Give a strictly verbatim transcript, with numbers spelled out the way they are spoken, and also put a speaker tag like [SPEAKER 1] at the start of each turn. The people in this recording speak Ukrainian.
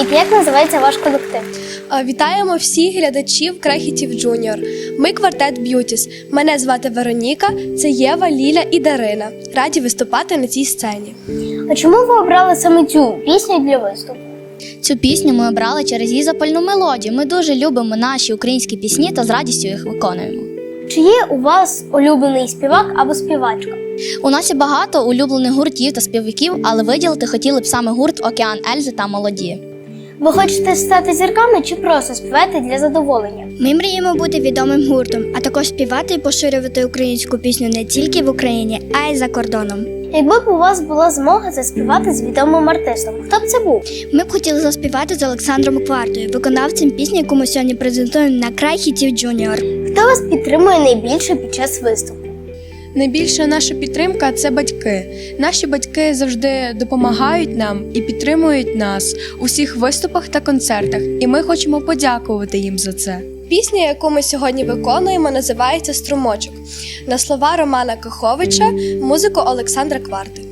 [SPEAKER 1] Привіт, як називається ваш колектив?
[SPEAKER 2] Вітаємо всіх глядачів Крехітів Джуніор. Ми квартет Б'ютіс. Мене звати Вероніка, це Єва, Ліля і Дарина. Раді виступати на цій сцені.
[SPEAKER 1] А чому ви обрали саме цю пісню для виступу?
[SPEAKER 3] Цю пісню ми обрали через її запальну мелодію. Ми дуже любимо наші українські пісні та з радістю їх виконуємо.
[SPEAKER 1] Чи є у вас улюблений співак або співачка?
[SPEAKER 3] У нас є багато улюблених гуртів та співаків, але виділити хотіли б саме гурт «Океан Ельзи» та «Молоді».
[SPEAKER 1] Ви хочете стати зірками чи просто співаєте для задоволення?
[SPEAKER 4] Ми мріємо бути відомим гуртом, а також співати і поширювати українську пісню не тільки в Україні, а й за кордоном.
[SPEAKER 1] Якби б у вас була змога заспівати з відомим артистом, хто б це був?
[SPEAKER 4] Ми б хотіли заспівати з Олександром Квартою, виконавцем пісні, яку ми сьогодні презентуємо на Крехітів Джуніор.
[SPEAKER 1] Хто вас підтримує найбільше під час виступу?
[SPEAKER 2] Найбільша наша підтримка – це батьки. Наші батьки завжди допомагають нам і підтримують нас у всіх виступах та концертах, і ми хочемо подякувати їм за це. Пісня, яку ми сьогодні виконуємо, називається «Струмочок» на слова Романа Каховича, музику Олександра Кварти.